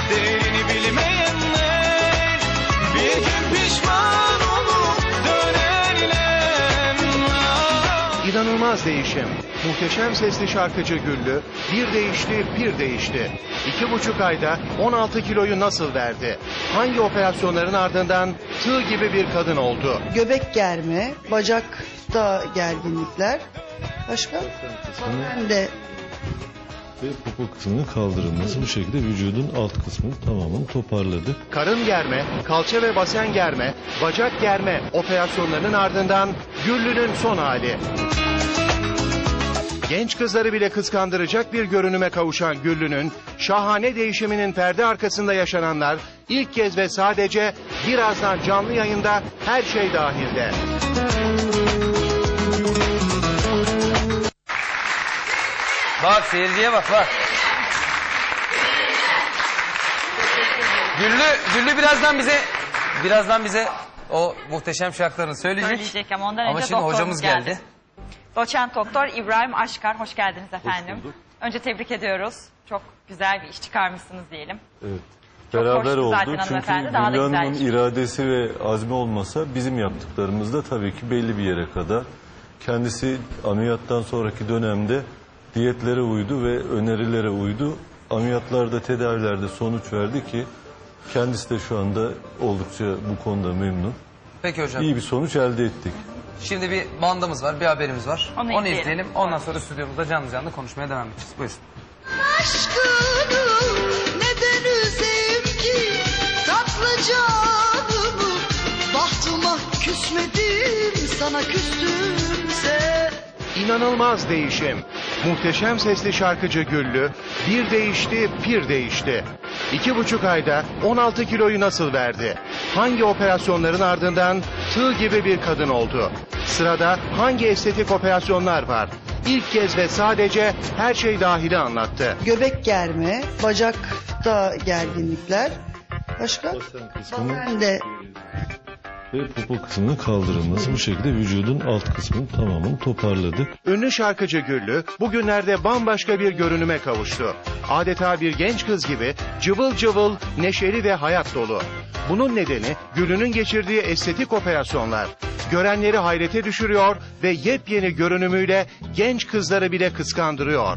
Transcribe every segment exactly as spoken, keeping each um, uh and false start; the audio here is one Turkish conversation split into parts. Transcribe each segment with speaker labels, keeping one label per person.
Speaker 1: değerini bilmeyenler bir gün pişman olup dönerler.
Speaker 2: İnanılmaz değişim. Muhteşem sesli şarkıcı Güllü bir değişti, bir değişti. İki buçuk ayda on altı kiloyu nasıl verdi? Hangi operasyonların ardından tığ gibi bir kadın oldu?
Speaker 3: Göbek germe, bacakta gerginlikler. Başka? Ben de
Speaker 4: Ve popo kısmının kaldırılması, bu şekilde vücudun alt kısmını tamamen toparladık.
Speaker 2: Karın germe, kalça ve basen germe, bacak germe operasyonlarının ardından Güllü'nün son hali. Genç kızları bile kıskandıracak bir görünüme kavuşan Güllü'nün şahane değişiminin perde arkasında yaşananlar ilk kez ve sadece birazdan canlı yayında Her Şey Dahil'de.
Speaker 5: Bak seyirciye bak bak. Güllü, Güllü birazdan bize birazdan bize o muhteşem şarkılarını söyleyecek.
Speaker 6: Söyleyecek ama ondan önce
Speaker 5: Ama şimdi
Speaker 6: doktorumuz
Speaker 5: hocamız
Speaker 6: geldi.
Speaker 5: geldi.
Speaker 6: Doçent Doktor İbrahim Aşkar, hoş geldiniz efendim.
Speaker 4: Hoş bulduk.
Speaker 6: Önce tebrik ediyoruz. Çok güzel bir iş çıkarmışsınız diyelim.
Speaker 4: Evet.
Speaker 6: Çok
Speaker 4: Beraber
Speaker 6: hoştu
Speaker 4: oldu.
Speaker 6: zaten
Speaker 4: Çünkü
Speaker 6: hanımefendi, daha da
Speaker 4: Güllü Hanım'ın
Speaker 6: güzel.
Speaker 4: iradesi ve azmi olmasa bizim yaptıklarımız da tabii ki belli bir yere kadar. Kendisi ameliyattan sonraki dönemde diyetlere uydu ve önerilere uydu. Ameliyatlarda, tedavilerde sonuç verdi ki kendisi de şu anda oldukça bu konuda memnun.
Speaker 5: Peki hocam.
Speaker 4: İyi bir sonuç elde ettik.
Speaker 5: Şimdi bir bandımız var, bir haberimiz var.
Speaker 6: Onu
Speaker 5: Onu
Speaker 6: izleyelim.
Speaker 5: izleyelim. Ondan sonra stüdyomuzda canlı canlı konuşmaya devam edeceğiz. Buyurun.
Speaker 7: Aşkını neden üzeyim ki tatlı canımı, bahtıma küsmedim sana küstümse.
Speaker 2: İnanılmaz değişim. Muhteşem sesli şarkıcı Güllü bir değişti, bir değişti. İki buçuk ayda on altı kiloyu nasıl verdi? Hangi operasyonların ardından tığ gibi bir kadın oldu? Sırada hangi estetik operasyonlar var? İlk kez ve sadece Her Şey Dahil'i anlattı.
Speaker 3: göbek germe, bacakta gerginlikler. Başka?
Speaker 4: Basen kısmının
Speaker 3: Ben de
Speaker 4: ve popo kısmının kaldırılması, bu şekilde vücudun alt kısmını tamamen toparladık.
Speaker 2: Ünlü şarkıcı Güllü bugünlerde bambaşka bir görünüme kavuştu. Adeta bir genç kız gibi cıvıl cıvıl, neşeli ve hayat dolu. Bunun nedeni Güllü'nün geçirdiği estetik operasyonlar. Görenleri hayrete düşürüyor ve yepyeni görünümüyle genç kızları bile kıskandırıyor.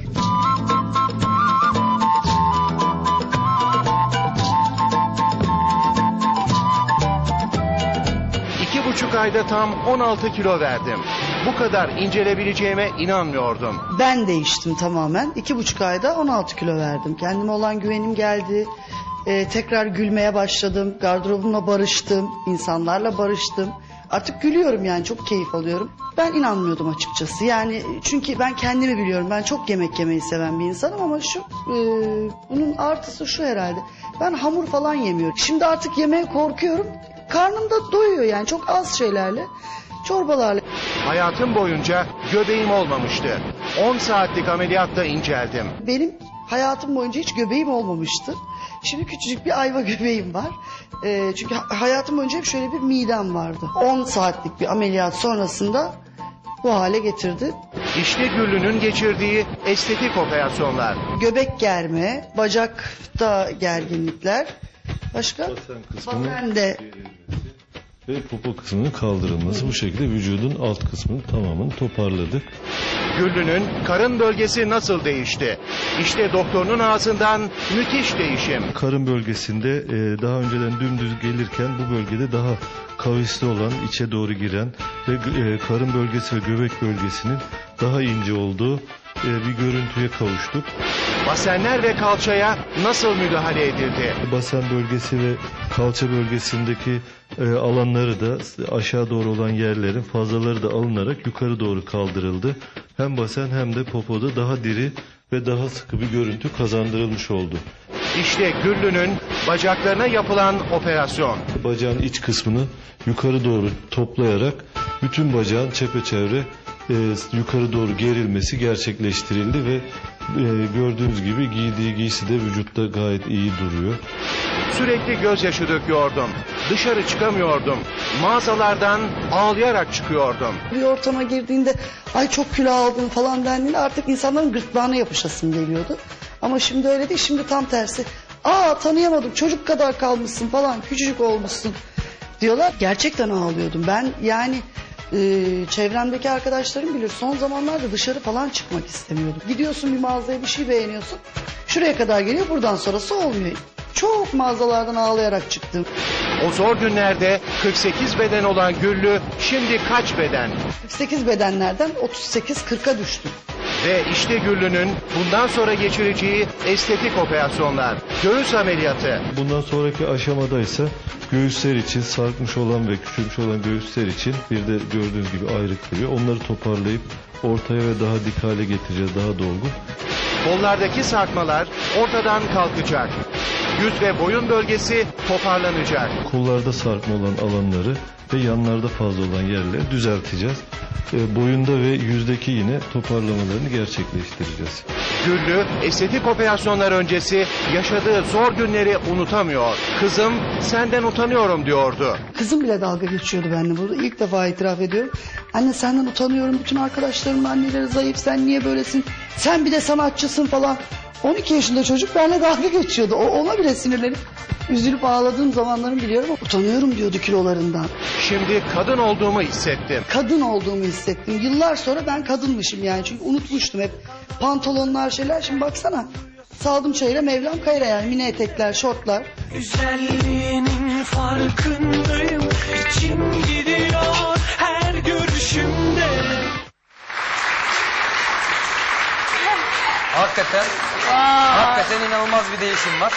Speaker 2: İki buçuk ayda tam on altı kilo verdim. Bu kadar incelebileceğime inanmıyordum.
Speaker 3: ben değiştim tamamen. İki buçuk ayda on altı kilo verdim. Kendime olan güvenim geldi. Ee, tekrar gülmeye başladım. Gardırobumla barıştım. İnsanlarla barıştım. Artık gülüyorum yani, çok keyif alıyorum. Ben inanmıyordum açıkçası. Yani çünkü ben kendimi biliyorum. Ben çok yemek yemeyi seven bir insanım ama şu e, bunun artısı şu herhalde. Ben hamur falan yemiyorum. Şimdi artık yemeye korkuyorum. Karnım da doyuyor yani, çok az şeylerle. Çorbalarla.
Speaker 2: Hayatım boyunca göbeğim olmamıştı. on saatlik ameliyatta inceldim.
Speaker 3: Benim hayatım boyunca hiç göbeğim olmamıştı. Şimdi küçücük bir ayva göbeğim var. Ee, çünkü ha- hayatım boyunca hep şöyle bir midem vardı. on saatlik bir ameliyat sonrasında bu hale getirdi.
Speaker 2: İşte Güllü'nün geçirdiği estetik operasyonlar.
Speaker 3: Göbek germe, bacakta gerginlikler. Başka?
Speaker 4: Basen kısmının
Speaker 3: Ben de
Speaker 4: ve popo kısmının kaldırılması, bu şekilde vücudun alt kısmını tamamen toparladık.
Speaker 2: Güllü'nün karın bölgesi nasıl değişti? İşte doktorunun ağzından müthiş değişim.
Speaker 4: Karın bölgesinde e, daha önceden dümdüz gelirken bu bölgede daha kavisli olan, içe doğru giren ve e, karın bölgesi ve göbek bölgesinin daha ince olduğu e, bir görüntüye kavuştuk.
Speaker 2: Basenler ve kalçaya nasıl müdahale edildi?
Speaker 4: Basen bölgesi ve kalça bölgesindeki e, alanları da, aşağı doğru olan yerlerin fazlaları da alınarak yukarı doğru kaldırıldı. Hem basen hem de popoda daha diri ve daha sıkı bir görüntü kazandırılmış oldu.
Speaker 2: İşte Güllü'nün bacaklarına yapılan operasyon.
Speaker 4: Bacağın iç kısmını yukarı doğru toplayarak bütün bacağın çepeçevre e, yukarı doğru gerilmesi gerçekleştirildi ve e, gördüğünüz gibi giydiği giysi de vücutta gayet iyi duruyor.
Speaker 2: Sürekli gözyaşı döküyordum. Dışarı çıkamıyordum. Mağazalardan ağlayarak çıkıyordum.
Speaker 3: bir ortama girdiğinde ay çok kilo aldım falan dendiğinde artık insanların gırtlağına yapışasım geliyordu. Ama şimdi öyle değil, şimdi tam tersi. Aa tanıyamadım, çocuk kadar kalmışsın falan, küçücük olmuşsun diyorlar. Gerçekten ağlıyordum. Ben yani e, çevremdeki arkadaşlarım bilir, son zamanlarda dışarı falan çıkmak istemiyordum. Gidiyorsun bir mağazaya, bir şey beğeniyorsun. Şuraya kadar geliyor, buradan sonrası olmuyor. Çok mağazalardan ağlayarak çıktım.
Speaker 2: O zor günlerde kırk sekiz beden olan Güllü şimdi kaç beden?
Speaker 3: kırk sekiz bedenlerden otuz sekiz kırka düştüm.
Speaker 2: Ve işte Güllü'nün bundan sonra geçireceği estetik operasyonlar. Göğüs ameliyatı.
Speaker 4: Bundan sonraki aşamada ise göğüsler için, sarkmış olan ve küçülmüş olan göğüsler için bir de gördüğünüz gibi ayrık duruyor. Onları toparlayıp ortaya ve daha dik hale getireceğiz, daha dolgun.
Speaker 2: Kollardaki sarkmalar ortadan kalkacak. Yüz ve boyun bölgesi toparlanacak.
Speaker 4: Kollarda sarkma olan alanları ve yanlarda fazla olan yerleri düzelteceğiz. E, boyunda ve yüzdeki yine toparlamalarını gerçekleştireceğiz.
Speaker 2: Güllü estetik operasyonlar öncesi yaşadığı zor günleri unutamıyor. Kızım senden utanıyorum diyordu.
Speaker 3: Kızım bile dalga geçiyordu benimle burada. İlk defa itiraf ediyorum. Anne senden utanıyorum. Bütün arkadaşlarımın anneleri zayıf. Sen niye böylesin? Sen bir de sanatçısın falan. on iki yaşında çocuk benimle dalga geçiyordu. O ona bile sinirlenip üzülüp ağladığım zamanlarımı biliyorum. Utanıyorum diyordu kilolarından.
Speaker 2: Şimdi kadın olduğumu hissettim.
Speaker 3: Kadın olduğumu hissettim. Yıllar sonra ben kadınmışım yani. Çünkü unutmuştum hep. Pantolonlar şeyler. Şimdi baksana. Saldım çayıra Mevlam kayıra yani. Mini etekler, şortlar.
Speaker 1: Güzelliğinin farkındayım. İçim gidiyor her görüşümde.
Speaker 5: Hakikaten, hakikaten inanılmaz bir değişim var.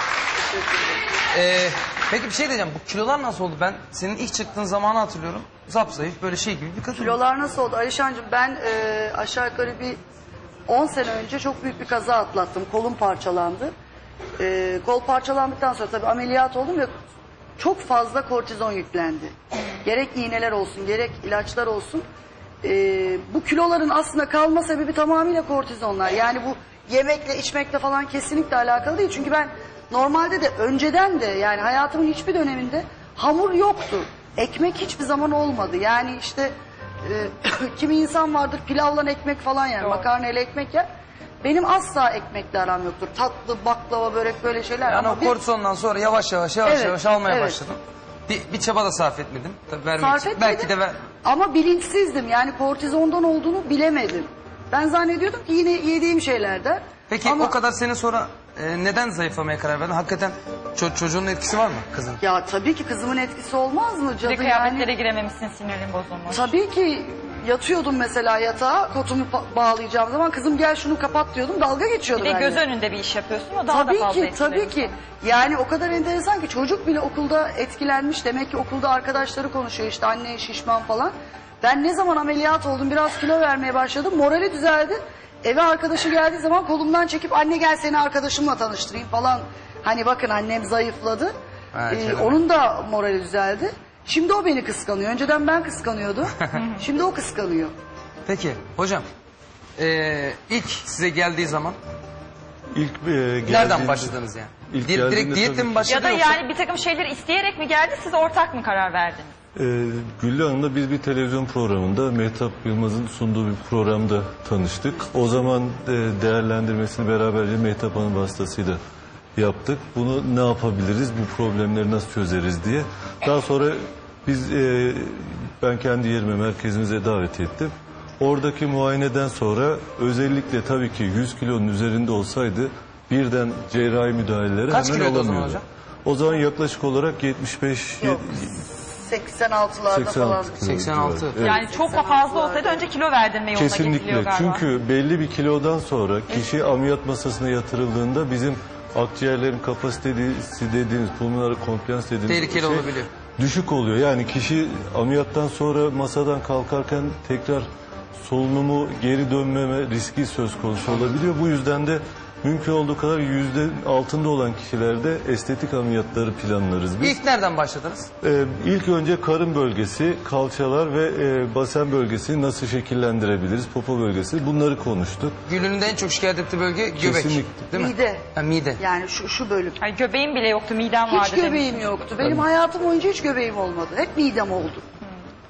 Speaker 5: Ee, peki bir şey diyeceğim. Bu kilolar nasıl oldu? Ben senin ilk çıktığın zamanı hatırlıyorum. Zapzayıf böyle şey gibi bir kadın.
Speaker 3: Kilolar nasıl oldu? Alişancığım ben e, aşağı yukarı bir on sene önce çok büyük bir kaza atlattım. Kolum parçalandı. E, kol parçalandıktan sonra tabii ameliyat oldum ve çok fazla kortizon yüklendi. Gerek iğneler olsun, gerek ilaçlar olsun. E, bu kiloların aslında kalma sebebi tamamıyla kortizonlar. Yani bu yemekle, içmekle falan kesinlikle alakalı değil. Çünkü ben normalde de önceden de yani hayatımın hiçbir döneminde hamur yoktu. Ekmek hiçbir zaman olmadı. Yani işte e, kimi insan vardır pilavla ekmek falan yer, makarnayla ekmek yer. Benim asla ekmekle aram yoktur. Tatlı, baklava, börek böyle şeyler.
Speaker 5: Yani
Speaker 3: ama
Speaker 5: o
Speaker 3: bir-
Speaker 5: kortizondan sonra yavaş yavaş yavaş
Speaker 3: Evet,
Speaker 5: yavaş almaya
Speaker 3: evet.
Speaker 5: başladım. Bir, bir çaba da sarf etmedim. Tabii vermek
Speaker 3: Sarf
Speaker 5: için.
Speaker 3: etmedim.
Speaker 5: Belki de ver.
Speaker 3: Ama bilinçsizdim. Yani kortizondan olduğunu bilemedim. Ben zannediyordum ki yine yediğim şeylerden.
Speaker 5: Peki
Speaker 3: Ama-
Speaker 5: o kadar sene sonra e, neden zayıflamaya karar verdin? Hakikaten ço- çocuğun etkisi var mı kızın?
Speaker 3: Ya tabii ki kızımın etkisi olmaz mı?
Speaker 6: Bir
Speaker 3: Cadı
Speaker 6: de kıyafetlere
Speaker 3: yani.
Speaker 6: girememişsin, sinirin bozulmuş.
Speaker 3: Tabii ki yatıyordum mesela yatağa, kotumu pa- bağlayacağım zaman kızım gel şunu kapat diyordum, dalga geçiyordu
Speaker 6: Bir de
Speaker 3: benimle.
Speaker 6: göz önünde bir iş yapıyorsun, o daha da
Speaker 3: Tabii
Speaker 6: fazla
Speaker 3: ki,
Speaker 6: etkiledi.
Speaker 3: tabii ki. Yani o kadar enteresan ki çocuk bile okulda etkilenmiş. Demek ki okulda arkadaşları konuşuyor işte anne şişman falan. Ben ne zaman ameliyat oldum, biraz kilo vermeye başladım, morali düzeldi. Eve arkadaşı geldiği zaman kolumdan çekip anne gel seni arkadaşımla tanıştırayım falan. Hani bakın annem zayıfladı.
Speaker 5: Ha,
Speaker 3: Ee,
Speaker 5: canım.
Speaker 3: onun da morali düzeldi. Şimdi o beni kıskanıyor. Önceden ben kıskanıyordum. Şimdi o kıskanıyor.
Speaker 5: Peki hocam e, ilk size geldiği zaman
Speaker 4: İlk e, geldiğinde-
Speaker 5: nereden başladınız yani?
Speaker 4: İlk
Speaker 5: Di- direkt
Speaker 4: geldiğinde
Speaker 5: diyetle
Speaker 4: tabii
Speaker 5: mi
Speaker 4: ki-
Speaker 5: başladı
Speaker 6: Ya da
Speaker 5: yoksa?
Speaker 6: yani bir takım şeyleri isteyerek mi geldi, siz ortak mı karar verdiniz?
Speaker 4: Ee, Güllü Hanım'la biz bir televizyon programında Mehtap Yılmaz'ın sunduğu bir programda tanıştık. O zaman e, değerlendirmesini beraberce Mehtap Hanım vasıtasıyla yaptık. Bunu ne yapabiliriz, bu problemleri nasıl çözeriz diye. Daha sonra biz e, ben kendi yerime merkezimize davet ettim. Oradaki muayeneden sonra özellikle tabii ki yüz kilonun üzerinde olsaydı birden cerrahi müdahaleleri
Speaker 5: Kaç
Speaker 4: hemen
Speaker 5: kiloydu o zaman
Speaker 4: alamıyordu.
Speaker 5: hocam?
Speaker 4: O zaman yaklaşık olarak yetmiş beş
Speaker 3: Yok. seksen altılarda
Speaker 4: seksen
Speaker 3: falan.
Speaker 4: altı kilo
Speaker 5: seksen altı.
Speaker 4: civarı. Evet.
Speaker 6: Yani çok da fazla olsaydı önce kilo verdirme yoluna
Speaker 4: Kesinlikle.
Speaker 6: gidiliyor galiba.
Speaker 4: Çünkü belli bir kilodan sonra kişi ameliyat masasına yatırıldığında bizim akciğerlerin kapasitesi dediğimiz pulmoner komplans dediğimiz
Speaker 5: Tehlikeli
Speaker 4: şey
Speaker 5: olabiliyor.
Speaker 4: düşük oluyor. Yani kişi ameliyattan sonra masadan kalkarken tekrar solunumu geri dönmeme riski söz konusu olabiliyor. Bu yüzden de mümkün olduğu kadar yüzde altında olan kişilerde estetik ameliyatları planlarız biz.
Speaker 5: İlk nereden başladınız?
Speaker 4: Ee, ilk önce karın bölgesi, kalçalar ve e, basen bölgesini nasıl şekillendirebiliriz, popo bölgesi bunları konuştuk.
Speaker 5: Gülünün de en çok şikayet ettiği bölge göbek.
Speaker 4: Kesinlikle.
Speaker 5: Değil mi?
Speaker 3: Mide.
Speaker 5: Ha, mide.
Speaker 3: Yani şu, şu bölüm.
Speaker 6: Ay, göbeğim bile yoktu, midem vardı
Speaker 3: Hiç göbeğim
Speaker 6: demiştiniz.
Speaker 3: yoktu. Benim hayatım boyunca hiç göbeğim olmadı. Hep midem oldu.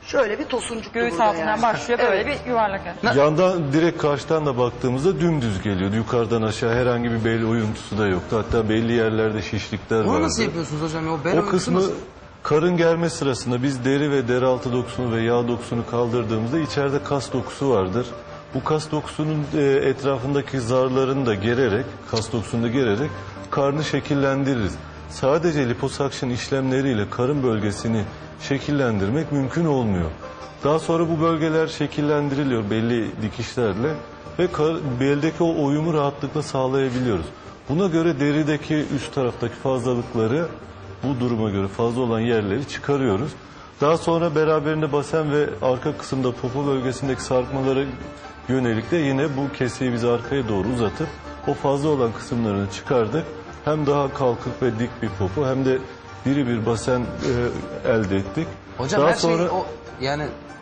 Speaker 3: Şöyle bir tosuncuk
Speaker 6: Göğüs
Speaker 3: burada
Speaker 6: altından
Speaker 3: yani.
Speaker 6: başlıyor böyle
Speaker 3: Evet.
Speaker 6: bir yuvarlak.
Speaker 4: Yandan direkt karşıdan da baktığımızda dümdüz geliyordu. Yukarıdan aşağı herhangi bir bel oyuntusu da yoktu. Hatta belli yerlerde şişlikler vardı.
Speaker 5: Onu nasıl yapıyorsunuz hocam? ya? O bel
Speaker 4: O
Speaker 5: oyuntusu
Speaker 4: kısmı
Speaker 5: nasıl?
Speaker 4: karın germe sırasında biz deri ve deri altı dokusunu ve yağ dokusunu kaldırdığımızda içeride kas dokusu vardır. Bu kas dokusunun e, etrafındaki zarlarını da gererek, kas dokusunu da gererek karnı şekillendiririz. Sadece liposuction işlemleriyle karın bölgesini şekillendirmek mümkün olmuyor. Daha sonra bu bölgeler şekillendiriliyor belli dikişlerle ve kar, beldeki o uyumu rahatlıkla sağlayabiliyoruz. Buna göre derideki üst taraftaki fazlalıkları, bu duruma göre fazla olan yerleri çıkarıyoruz. Daha sonra beraberinde basen ve arka kısımda popo bölgesindeki sarkmalara yönelik de yine bu keseyi biz arkaya doğru uzatıp o fazla olan kısımlarını çıkardık. Hem daha kalkık ve dik bir popo hem de diri bir basen e, elde ettik.
Speaker 5: Hocam
Speaker 4: Daha
Speaker 5: her
Speaker 4: sonra
Speaker 5: şey o yani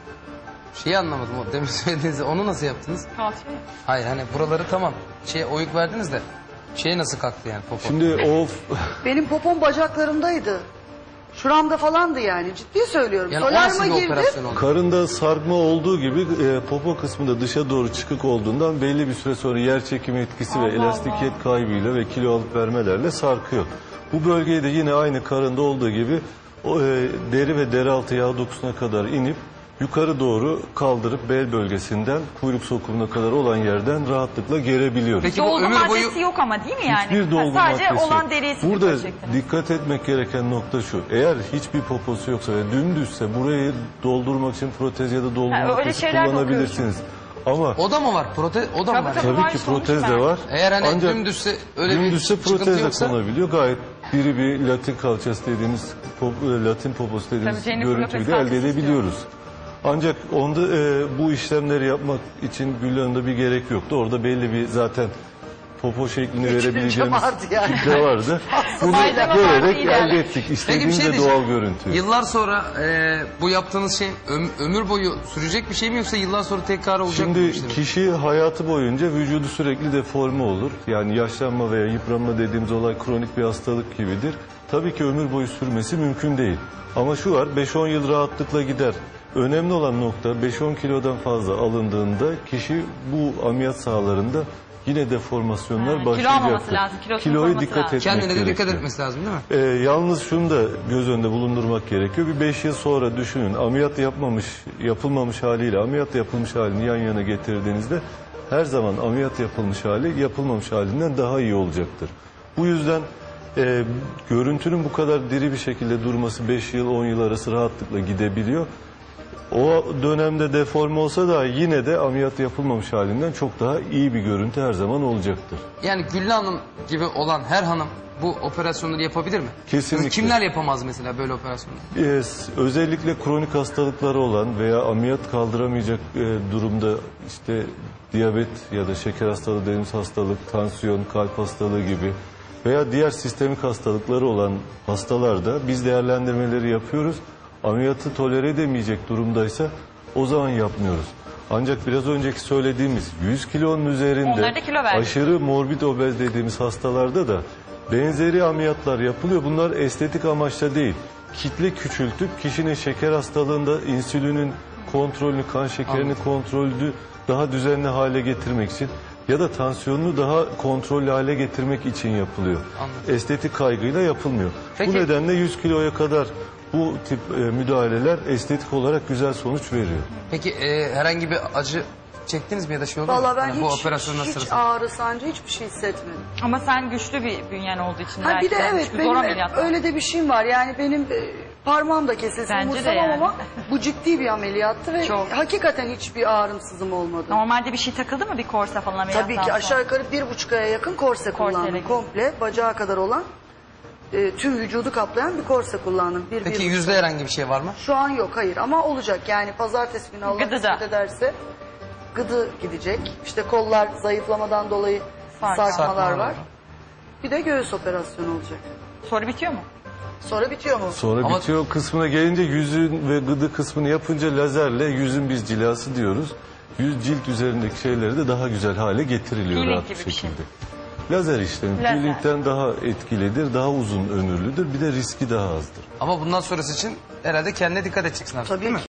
Speaker 5: şeyi anlamadım o demin söylediğinizi. Onu nasıl yaptınız?
Speaker 6: Kalçayı.
Speaker 5: Hayır hani buraları tamam. Şey oyuk verdiniz de şey nasıl kalktı yani popo?
Speaker 4: şimdi o
Speaker 3: Benim popom bacaklarımdaydı. Şuramda falandı yani. Ciddi söylüyorum.
Speaker 5: yani o nasıl
Speaker 3: Solaryuma
Speaker 5: bir
Speaker 3: girdim.
Speaker 5: operasyon oldu?
Speaker 4: karında sarkma olduğu gibi e, popo kısmında dışa doğru çıkık olduğundan belli bir süre sonra yer çekimi etkisi ve
Speaker 6: Allah
Speaker 4: elastikiyet kaybıyla ve kilo alıp vermelerle sarkıyor. Bu bölgeyi de yine aynı karında olduğu gibi o, e, deri ve deri altı yağ dokusuna kadar inip yukarı doğru kaldırıp bel bölgesinden kuyruk sokumuna kadar olan yerden rahatlıkla gerebiliyoruz.
Speaker 5: Peki bu
Speaker 6: Dolgu
Speaker 5: ömür boyu
Speaker 6: maddesi yok ama değil mi yani?
Speaker 4: Hiçbir dolgu
Speaker 6: Ha, sadece
Speaker 4: maddesi
Speaker 6: olan
Speaker 4: yok.
Speaker 6: deriyi
Speaker 4: Burada
Speaker 6: silip çektiniz.
Speaker 4: dikkat etmek gereken nokta şu. Eğer hiçbir poposu yoksa ve dümdüzse burayı doldurmak için protez ya da dolgu
Speaker 6: Ha, öyle
Speaker 4: maddesi
Speaker 6: şeyler de
Speaker 4: kullanabilirsiniz. Ama
Speaker 5: o da mı var? Prote o da mı
Speaker 6: Tabii,
Speaker 5: var?
Speaker 6: tabii.
Speaker 4: tabii
Speaker 6: var,
Speaker 4: ki
Speaker 6: sonuç
Speaker 4: protez de
Speaker 6: verdi.
Speaker 4: var.
Speaker 5: Eğer hani
Speaker 4: Ancak
Speaker 5: dümdüzse öyle
Speaker 4: dümdüzse
Speaker 5: bir sıkıntı
Speaker 4: protez de
Speaker 5: yoksa
Speaker 4: konabiliyor. Gayet diri bir latin kalçası dediğimiz pop- latin poposu dediğimiz
Speaker 6: Tabii, Jennifer
Speaker 4: görüntüyü
Speaker 6: Lopez
Speaker 4: de elde
Speaker 6: kalçası
Speaker 4: edebiliyoruz. Ancak onda e, bu işlemleri yapmak için Gül Hanım'da bir gerek yoktu. Orada belli bir zaten popo şeklini
Speaker 3: Yeterince
Speaker 4: verebileceğimiz
Speaker 3: vardı yani.
Speaker 4: kitle vardı. Bunu
Speaker 6: Malzeme
Speaker 4: görerek
Speaker 6: vardı, ilerle.
Speaker 4: elde ettik.
Speaker 5: Peki bir
Speaker 4: İstediğimiz
Speaker 5: şey
Speaker 4: de
Speaker 5: diyeceğim.
Speaker 4: doğal görüntü.
Speaker 5: Yıllar sonra e, bu yaptığınız şey öm- ömür boyu sürecek bir şey mi yoksa yıllar sonra tekrar olacak mı? bu
Speaker 4: Şimdi
Speaker 5: işlem?
Speaker 4: kişi hayatı boyunca vücudu sürekli deforme olur. Yani yaşlanma veya yıpranma dediğimiz olay kronik bir hastalık gibidir. Tabii ki ömür boyu sürmesi mümkün değil. Ama şu var, beş on yıl rahatlıkla gider. Önemli olan nokta beş on kilodan fazla alındığında kişi bu ameliyat sahalarında yine deformasyonlar
Speaker 6: Ha, kilo
Speaker 4: başlayacaktır.
Speaker 6: almaması lazım, kilosunu
Speaker 4: Kiloya
Speaker 6: koruması
Speaker 4: dikkat
Speaker 6: lazım.
Speaker 4: etmek
Speaker 5: Kendine de
Speaker 4: gerekiyor.
Speaker 5: dikkat etmesi lazım değil mi?
Speaker 4: Ee, yalnız şunu da göz önünde bulundurmak gerekiyor. Bir beş yıl sonra düşünün, ameliyat yapmamış, yapılmamış haliyle ameliyat yapılmış halini yan yana getirdiğinizde her zaman ameliyat yapılmış hali yapılmamış halinden daha iyi olacaktır. Bu yüzden e, görüntünün bu kadar diri bir şekilde durması beş yıl on yıl arası rahatlıkla gidebiliyor. O dönemde deforme olsa da yine de ameliyat yapılmamış halinden çok daha iyi bir görüntü her zaman olacaktır.
Speaker 5: Yani Güllü Hanım gibi olan her hanım bu operasyonları yapabilir mi?
Speaker 4: Kesinlikle.
Speaker 5: Kimler yapamaz mesela böyle operasyonları?
Speaker 4: Ee, özellikle kronik hastalıkları olan veya ameliyat kaldıramayacak e, durumda işte diyabet ya da şeker hastalığı dediğimiz hastalık, tansiyon, kalp hastalığı gibi veya diğer sistemik hastalıkları olan hastalarda biz değerlendirmeleri yapıyoruz. Ameliyatı tolere edemeyecek durumdaysa o zaman yapmıyoruz. Ancak biraz önceki söylediğimiz yüz kilonun üzerinde
Speaker 6: Onları da kilo verdik.
Speaker 4: aşırı morbid obez dediğimiz hastalarda da benzeri ameliyatlar yapılıyor. Bunlar estetik amaçla değil. Kitle küçültüp kişinin şeker hastalığında insülinin kontrolünü, kan şekerini kontrolünü daha düzenli hale getirmek için ya da tansiyonunu daha kontrollü hale getirmek için yapılıyor.
Speaker 5: Anladım.
Speaker 4: Estetik kaygıyla yapılmıyor.
Speaker 5: Peki-
Speaker 4: Bu nedenle yüz kiloya kadar bu tip e, müdahaleler estetik olarak güzel sonuç veriyor.
Speaker 5: Peki e, herhangi bir acı çektiniz mi ya da şey oldu mu?
Speaker 3: Vallahi ben
Speaker 5: Yani bu
Speaker 3: hiç,
Speaker 5: operasyonlar
Speaker 3: hiç
Speaker 5: sırasında.
Speaker 3: ağrı sancı hiçbir şey hissetmedim.
Speaker 6: Ama sen güçlü bir bünyen olduğu için
Speaker 3: Ha
Speaker 6: belki
Speaker 3: bir de
Speaker 6: de
Speaker 3: evet
Speaker 6: çünkü
Speaker 3: benim
Speaker 6: zor ameliyatlar.
Speaker 3: öyle de bir şeyim var. Yani benim e, parmağım da kesilsin
Speaker 6: Bence de
Speaker 3: umursamam
Speaker 6: yani.
Speaker 3: ama bu ciddi bir ameliyattı ve
Speaker 6: Çok.
Speaker 3: hakikaten hiçbir ağrımsızım olmadı.
Speaker 6: Normalde bir şey takıldı mı bir korse falan ameliyattan
Speaker 3: Tabii ki
Speaker 6: sonra?
Speaker 3: aşağı yukarı bir buçuk aya yakın korse kullandım.
Speaker 6: Korseyle.
Speaker 3: Komple bacağa kadar olan e, tüm vücudu kaplayan bir korse kullandım. Bir,
Speaker 5: Peki
Speaker 3: bir
Speaker 5: yüzde herhangi bir şey var mı?
Speaker 3: Şu an yok hayır ama olacak yani pazartesi günü Allah
Speaker 6: Gıdı da.
Speaker 3: kısmet ederse gıdı gidecek. İşte kollar zayıflamadan dolayı
Speaker 6: Sark-
Speaker 3: sarkmalar
Speaker 5: Sarkmalar
Speaker 3: var.
Speaker 5: var.
Speaker 3: Bir de göğüs operasyonu olacak.
Speaker 6: Sonra bitiyor mu?
Speaker 3: Sonra bitiyor mu?
Speaker 4: Sonra
Speaker 5: Ama-
Speaker 4: bitiyor kısmına gelince yüzün ve gıdı kısmını yapınca lazerle yüzün biz cilası diyoruz. Yüz cilt üzerindeki şeyleri de daha güzel hale getiriliyor
Speaker 6: Peeling
Speaker 4: rahat
Speaker 6: gibi
Speaker 4: bir
Speaker 6: bir şey.
Speaker 4: şekilde. Lazer işlemi
Speaker 6: Lazer.
Speaker 4: peelingden daha etkilidir, daha uzun ömürlüdür. Bir de riski daha azdır.
Speaker 5: Ama bundan sonrası için herhalde kendine dikkat edeceksin artık
Speaker 3: Tabii
Speaker 5: değil mi?
Speaker 3: ki.